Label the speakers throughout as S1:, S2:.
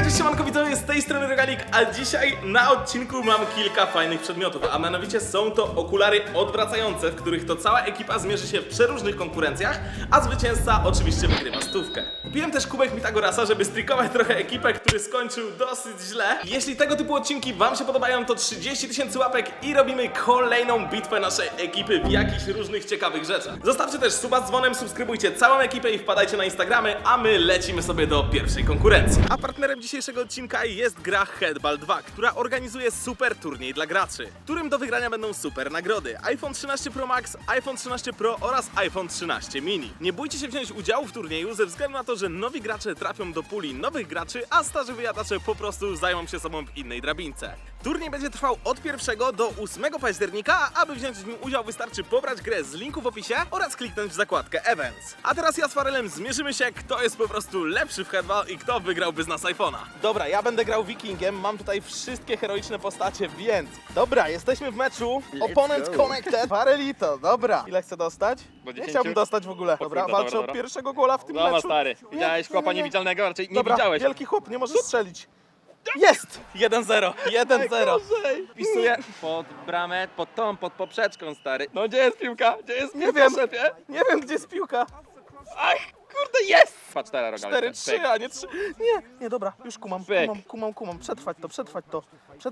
S1: Hej, cześć, siemanko widzowie, z tej strony Rogalik, a dzisiaj na odcinku mam kilka fajnych przedmiotów, a mianowicie są to okulary odwracające, w których to cała ekipa zmierzy się w przeróżnych konkurencjach, a zwycięzca oczywiście wygrywa stówkę. Kupiłem też kubek Pitagorasa, żeby strikować trochę ekipę, który skończył dosyć źle. Jeśli tego typu odcinki wam się podobają, to 30 000 łapek i robimy kolejną bitwę naszej ekipy w jakichś różnych ciekawych rzeczach. Zostawcie też suba z dzwonem, subskrybujcie całą ekipę i wpadajcie na Instagramy, a my lecimy sobie do pierwszej konkurencji. A partnerem dzisiejszego odcinka jest gra Headball 2, która organizuje super turniej dla graczy, w którym do wygrania będą super nagrody: iPhone 13 Pro Max, iPhone 13 Pro oraz iPhone 13 mini. Nie bójcie się wziąć udziału w turnieju ze względu na to, że nowi gracze trafią do puli nowych graczy, a starzy wyjadacze po prostu zajmą się sobą w innej drabince. Turniej będzie trwał od 1 do 8 października, a aby wziąć w nim udział wystarczy pobrać grę z linku w opisie oraz kliknąć w zakładkę Events. A teraz ja z Farelem zmierzymy się, kto jest po prostu lepszy w Headball i kto wygrałby z nas iPhone'a. Dobra, ja będę grał Wikingiem, mam tutaj wszystkie heroiczne postacie, więc... Dobra, jesteśmy w meczu. Opponent connected. Farelito, dobra. Ile chcę dostać? Nie chciałbym dostać w ogóle. Dobra, walczę o pierwszego gola w tym
S2: Dobra,
S1: meczu.
S2: stary. Widziałeś chłopa niewidzialnego? Raczej nie
S1: Dobra,
S2: widziałeś.
S1: wielki chłop, nie możesz strzelić. Jest! 1-0, 1-0.
S2: Wpisuję pod bramę, pod poprzeczką, stary. No gdzie jest piłka? Gdzie jest piłka,
S1: Nie wiem.
S2: szefie?
S1: Nie wiem, gdzie jest piłka.
S2: Ach, kurde, jest! Patrz, teraz rogale.
S1: 4-3, a nie 3. Nie, dobra, już kumam. Przetrwać to.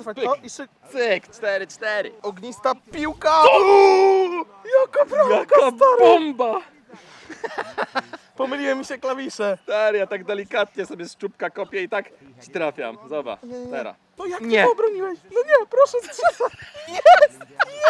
S2: Cyk, 4-4.
S1: Ognista piłka! Jaka bramka,
S2: Jaka
S1: stary!
S2: bomba!
S1: Pomyliły mi się klawisze.
S2: Stary, ja tak delikatnie sobie z czubka kopię i tak ci trafiam. Zobacz, teraz.
S1: No jak
S2: Nie.
S1: ty to obroniłeś? No nie, proszę strzelać. Jest!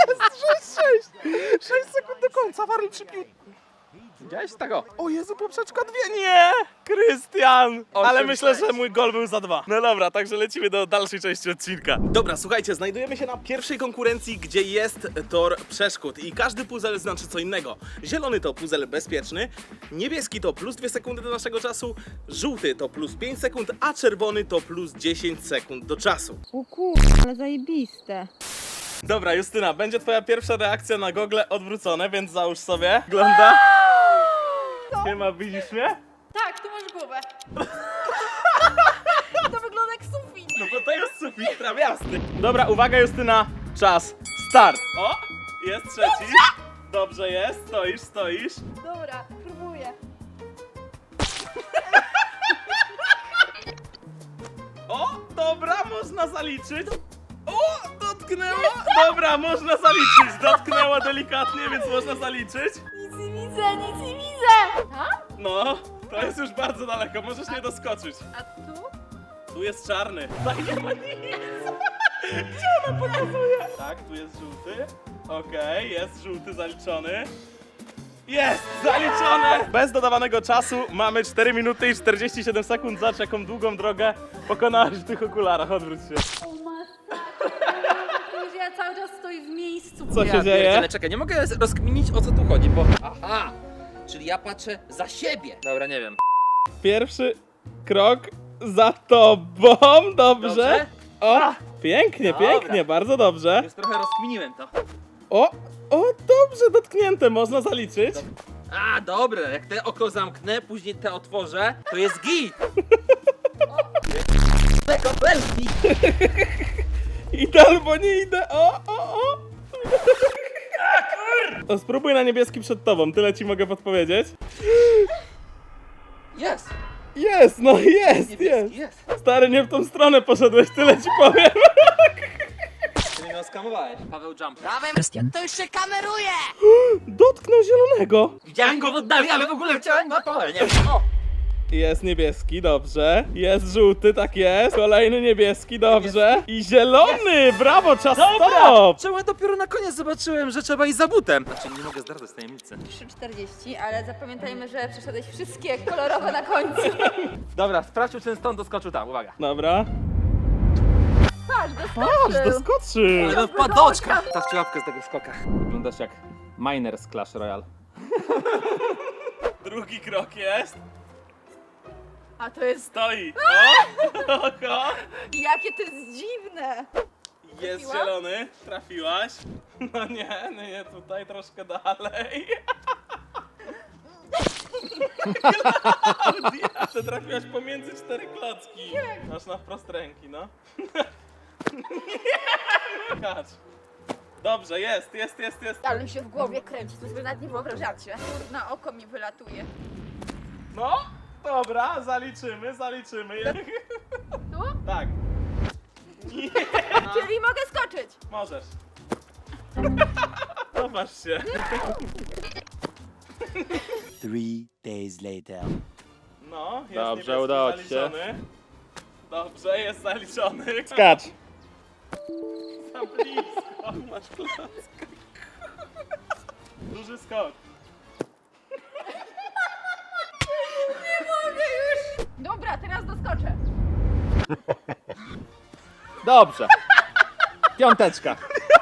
S1: 6-6. 6 sekund do końca, Warli przypił.
S2: Widziałeś tego?
S1: O Jezu, poprzeczka 2, nie! Krystian! Ale
S2: 8-6.
S1: myślę, że mój gol był za 2. No dobra, także lecimy do dalszej części odcinka. Dobra, słuchajcie, znajdujemy się na pierwszej konkurencji, gdzie jest tor przeszkód i każdy puzzle znaczy co innego. Zielony to puzzle bezpieczny, niebieski to plus 2 sekundy do naszego czasu, żółty to plus 5 sekund, a czerwony to plus 10 sekund do czasu.
S3: O ale zajebiste.
S1: Dobra, Justyna, będzie twoja pierwsza reakcja na gogle odwrócone, więc załóż sobie. Wygląda. Siema, widzisz mnie?
S4: Tak, tu masz głowę. To wygląda jak sufit.
S1: No bo to jest sufit trawiasty. Dobra, uwaga Justyna, czas, start. O, jest trzeci. Dobrze jest, stoisz.
S4: Dobra, próbuję.
S1: O, dobra, można zaliczyć. O, dotknęło. Dobra, można zaliczyć. Dotknęło delikatnie, więc można zaliczyć.
S4: Nic nie widzę. A?
S1: No, to jest już bardzo daleko, możesz nie doskoczyć.
S4: A tu?
S1: Tu jest czarny. Tak, nie ma nic. Gdzie ona pokazuje? Tak, tu jest żółty. Okej, jest żółty zaliczony. Jest! Zaliczone! Bez dodawanego czasu mamy 4 minuty i 47 sekund. Zobacz, jaką długą drogę pokonałeś w tych okularach. Odwróć się.
S4: O masakra. Ja cały czas stoję w miejscu.
S1: Co się dzieje?
S2: Ale czekaj, nie mogę rozkminić, o co tu chodzi, bo... Aha! Czyli ja patrzę za siebie. Dobra, nie wiem.
S1: Pierwszy krok za tobą. Dobrze.
S2: Dobrze?
S1: O, pięknie,
S2: Dobra.
S1: pięknie, bardzo dobrze.
S2: Już trochę rozkminiłem to.
S1: O, dobrze, dotknięte, można zaliczyć.
S2: A, dobra, jak te oko zamknę, później te otworzę, to jest git! Tego belki!
S1: Idę albo nie idę. O. To spróbuj na niebieski przed tobą, tyle ci mogę podpowiedzieć.
S2: Jest!
S1: Jest, no jest.
S2: Niebieski jest!
S1: Stary, nie w tą stronę poszedłeś, tyle ci powiem.
S2: Ty mnie oskamowałeś. Paweł Jump.
S4: To już się kameruje.
S1: Dotknął zielonego.
S2: Widziałem go w oddali, ale w ogóle chciałem na pole, nie wiem. O!
S1: Jest niebieski, dobrze. Jest żółty, tak jest. Kolejny niebieski, dobrze. I zielony, brawo, czas stop.
S2: Czemu ja dopiero na koniec zobaczyłem, że trzeba iść za butem? Znaczy, nie mogę zdradzać tajemnicy.
S4: 3,40, ale zapamiętajmy, że przeszedłeś wszystkie kolorowe na końcu.
S2: Dobra, sprawdźmy, czy ten stąd doskoczył tam, uwaga.
S1: Dobra.
S4: Patrz,
S1: Patrz, doskoczył.
S2: Ale padoczka! Stawcie łapkę z tego skoka. Wyglądasz jak miner z Clash Royale.
S1: Drugi krok jest.
S4: A to jest...
S1: Stoi. O.
S4: Jakie to jest dziwne.
S1: Jest
S4: Trafiłam?
S1: zielony, trafiłaś. No nie, tutaj troszkę dalej. Klaudia, ty trafiłaś pomiędzy 4 klocki. Masz na wprost ręki, no. Nie, kacz. Dobrze, jest.
S4: Ale mi się w głowie kręci, to sobie nawet nie wyobrażacie. Na oko mi wylatuje.
S1: No, dobra, zaliczymy.
S4: Tu?
S1: Tak. Nie,
S4: Czyli mogę skoczyć.
S1: możesz. Popatrz się.
S5: 3 days later.
S1: No, jest
S2: Dobrze,
S1: niebieski
S2: udało ci się.
S1: zaliczony. Dobrze, jest zaliczony.
S2: Skacz!
S1: Za blisko, masz klocka. Duży skok.
S4: Dobra, teraz doskoczę.
S2: Dobrze. Piąteczka.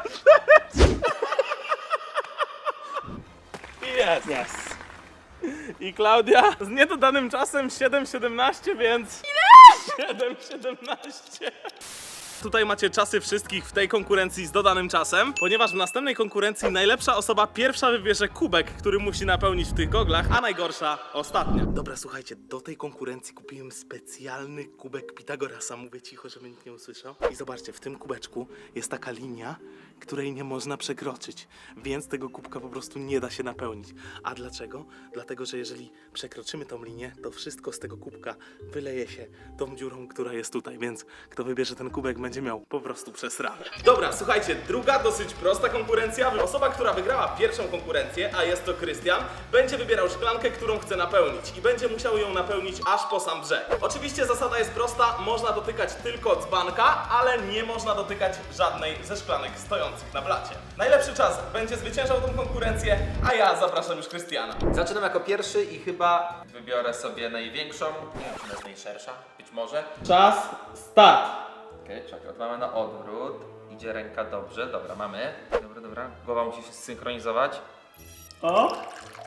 S1: I jest.
S2: Yes.
S1: I Klaudia z niedodanym czasem 7:17, więc... Ile? 7:17. Tutaj macie czasy wszystkich w tej konkurencji z dodanym czasem, ponieważ w następnej konkurencji najlepsza osoba pierwsza wybierze kubek, który musi napełnić w tych goglach, a najgorsza ostatnia. Dobra, słuchajcie, do tej konkurencji kupiłem specjalny kubek Pitagorasa. Mówię cicho, żeby nikt nie usłyszał. I zobaczcie, w tym kubeczku jest taka linia, której nie można przekroczyć, więc tego kubka po prostu nie da się napełnić. A dlaczego? Dlatego, że jeżeli przekroczymy tą linię, to wszystko z tego kubka wyleje się tą dziurą, która jest tutaj, więc kto wybierze ten kubek, będzie miał po prostu przesrane. Dobra, słuchajcie, druga dosyć prosta konkurencja. Osoba, która wygrała pierwszą konkurencję, a jest to Krystian, będzie wybierał szklankę, którą chce napełnić i będzie musiał ją napełnić aż po sam brzeg. Oczywiście zasada jest prosta, można dotykać tylko dzbanka, ale nie można dotykać żadnej ze szklanek stojących na blacie. Najlepszy czas będzie zwyciężał tą konkurencję, a ja zapraszam już Krystiana.
S6: Zaczynam jako pierwszy i chyba wybiorę sobie największą. Nie wiem, czy ona jest najszersza. Być może.
S1: Czas, start!
S6: Okej, czekaj, mamy na odwrót. Idzie ręka dobrze, dobra, mamy. Dobra. Głowa musi się zsynchronizować.
S1: O!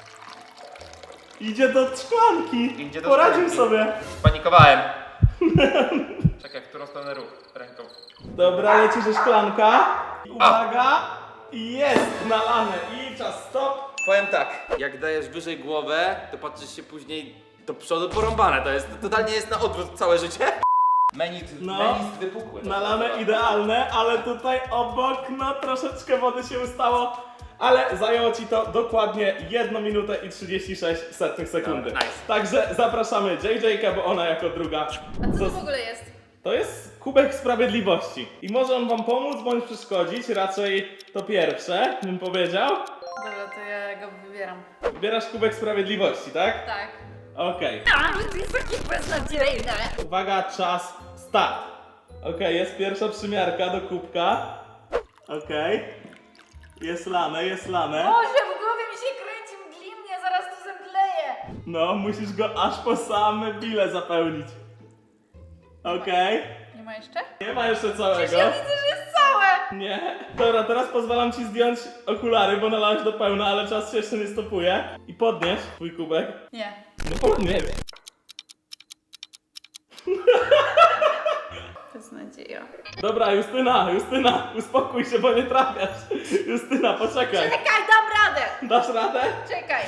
S1: Idzie do szklanki!
S6: Idzie do
S1: Poradził
S6: szklanki.
S1: sobie!
S6: Spanikowałem. Czekaj, w którą stronę ruch ręką.
S1: Dobra, leci ze szklanka. Uwaga! I jest nalane. I czas stop.
S6: Powiem tak, jak dajesz wyżej głowę, to patrzysz się później do przodu porąbane. To jest totalnie jest na odwrót całe życie. Menit wypukły.
S1: Nalane idealne, ale tutaj obok, no troszeczkę wody się ustało. Ale zajęło ci to dokładnie 1 minutę i 36 sekundy.
S6: Nice.
S1: Także zapraszamy JJ-kę, bo ona jako druga.
S4: A co to w ogóle jest?
S1: To jest kubek sprawiedliwości. I może on wam pomóc bądź przeszkodzić. Raczej to pierwsze, bym powiedział.
S4: Dobra, to ja go wybieram.
S1: Wybierasz kubek sprawiedliwości, tak?
S4: Tak.
S1: Okej.
S4: Ale to jest takie beznadziejne.
S1: Uwaga, czas, start. Okej, jest pierwsza przymiarka do kubka. Okej. Jest lane.
S4: Boże, w głowie mi się kręci mglimnie, zaraz tu zemdleję.
S1: No, musisz go aż po same bile zapełnić. Okej.
S4: Nie ma jeszcze?
S1: Nie ma jeszcze całego.
S4: Przecież ja widzę, że jest całe.
S1: Nie. Dobra, teraz pozwalam ci zdjąć okulary, bo nalałeś do pełna, ale czas się jeszcze nie stopuje. I podnieś twój kubek.
S4: Nie.
S1: No podnieś.
S4: Beznadzieja.
S1: Dobra, Justyna, uspokój się, bo nie trafiasz. Justyna, poczekaj.
S4: Czekaj, dam radę.
S1: Dasz radę?
S4: Czekaj.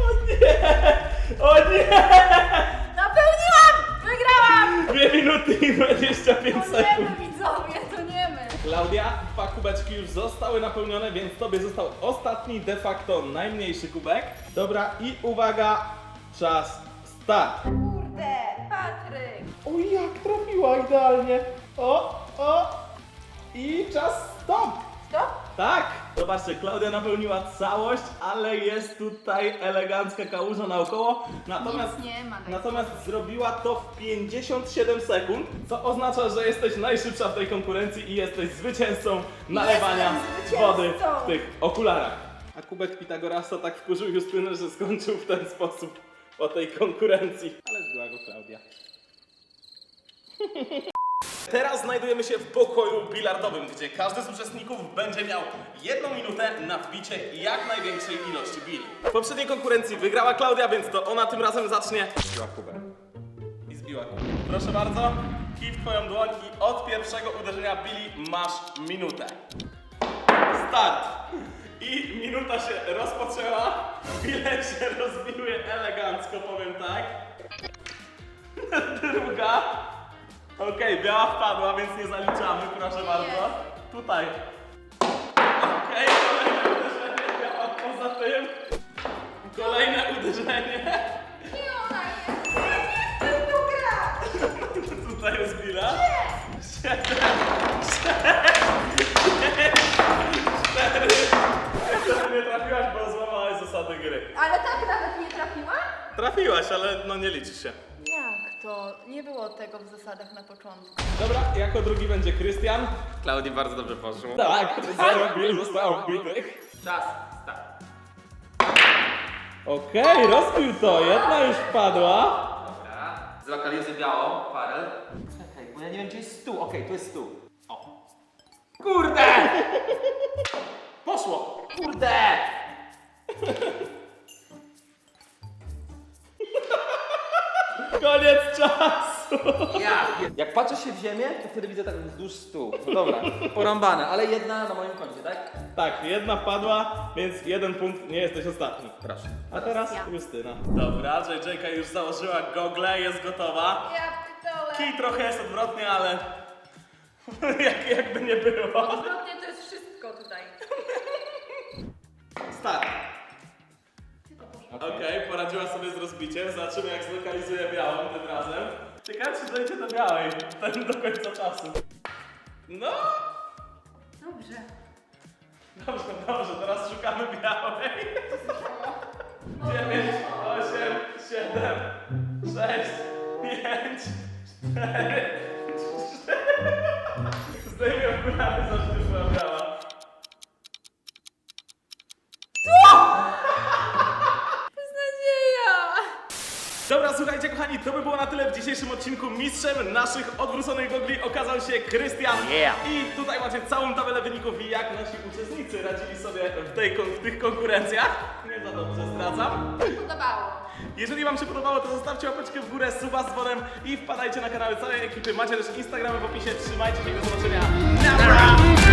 S1: O nie!
S4: Napełniłam! Wygrałam!
S1: 2 minuty i 25 sekund.
S4: Toniemy, widzowie, toniemy.
S1: Klaudia, 2 kubeczki już zostały napełnione, więc tobie został ostatni, de facto najmniejszy kubek. Dobra, i uwaga, czas, start.
S4: Kurde, Patryk.
S1: O, jak trafiła idealnie. O, i czas, stop.
S4: Stop?
S1: Tak, zobaczcie, Klaudia napełniła całość, ale jest tutaj elegancka kałuża naokoło.
S4: Nic nie ma.
S1: Natomiast zrobiła to w 57 sekund, co oznacza, że jesteś najszybsza w tej konkurencji i jesteś zwycięzcą nalewania
S4: Jestem
S1: wody
S4: zwycięzcą.
S1: w tych okularach. A kubek Pitagorasa tak wkurzył Justynę, że skończył w ten sposób po tej konkurencji. Ale zbyła go Klaudia. Teraz znajdujemy się w pokoju bilardowym, gdzie każdy z uczestników będzie miał 1 minutę na wbicie jak największej ilości bili. W poprzedniej konkurencji wygrała Klaudia, więc to ona tym razem zacznie.
S6: Zbiła kubę.
S1: I zbiła kubek. Proszę bardzo, kij w twoją dłoń i od pierwszego uderzenia bili masz minutę. Start! I minuta się rozpoczęła. Bile się rozbiły elegancko, powiem tak. Druga. Okej, biała wpadła, więc nie zaliczamy, proszę bardzo. Tutaj. Okej, kolejne uderzenie, biała poza tym. Kolejne uderzenie.
S4: Nie ona jest! Ja nie chcę w to grać!
S1: Tutaj jest Billa. 7, 6, 5, 4. Jeszcze nie trafiłaś, bo złamałaś zasady gry.
S4: Ale tak nawet nie trafiła?
S1: Trafiłaś, ale no nie liczy się.
S4: Jak to? Nie było tego w zasadach na początku.
S1: Dobra, jako drugi będzie Krystian.
S6: Klaudii bardzo dobrze poszło.
S1: Tak, 0 Bill zostało wbitych.
S6: Czas, start.
S1: Okej, rozbił to, jedna już wpadła.
S6: Dobra. Zlokalizuj białą, Farel. Czekaj, bo ja nie wiem gdzie jest stół. Okej, tu jest stół. O. Kurde!
S1: Poszło.
S6: Kurde!
S1: Koniec czasu.
S6: Ja! Jak patrzę się w ziemię, to wtedy widzę tak wzdłuż stół. No dobra, porąbane, ale jedna na moim koncie, tak?
S1: Tak, jedna wpadła, więc 1 punkt, nie jesteś ostatni.
S6: Proszę.
S1: A teraz Justyna. Dobra, JJ-ka już założyła gogle, jest gotowa.
S4: Ja pitole.
S1: Kij trochę jest odwrotnie, ale jakby nie było.
S4: Odwrotnie to jest wszystko tutaj.
S1: Start. Okej, poradziła sobie z rozbiciem. Zobaczymy jak zlokalizuje białą tym razem. Ciekawe czy dojdzie do białej do końca czasu. No,
S4: Dobrze.
S1: dobrze, teraz szukamy białej. 9, 8, 7, 6, 5, 4, 3. Zdejmę okulary, zawsze już była biała.
S4: Beznadzieja!
S1: Dobra, słuchajcie kochani, to by było na tyle w dzisiejszym odcinku. Mistrzem naszych odwróconych gogli okazał się Krystian. I tutaj macie całą tabelę wyników, jak nasi uczestnicy radzili sobie w tych konkurencjach. Nie za dobrze zdradzam.
S4: Podobało.
S1: Jeżeli wam się podobało, to zostawcie łapeczkę w górę, suba z dzwonem i wpadajcie na kanały całej ekipy. Macie też Instagramy w opisie. Trzymajcie się, do zobaczenia. Nara!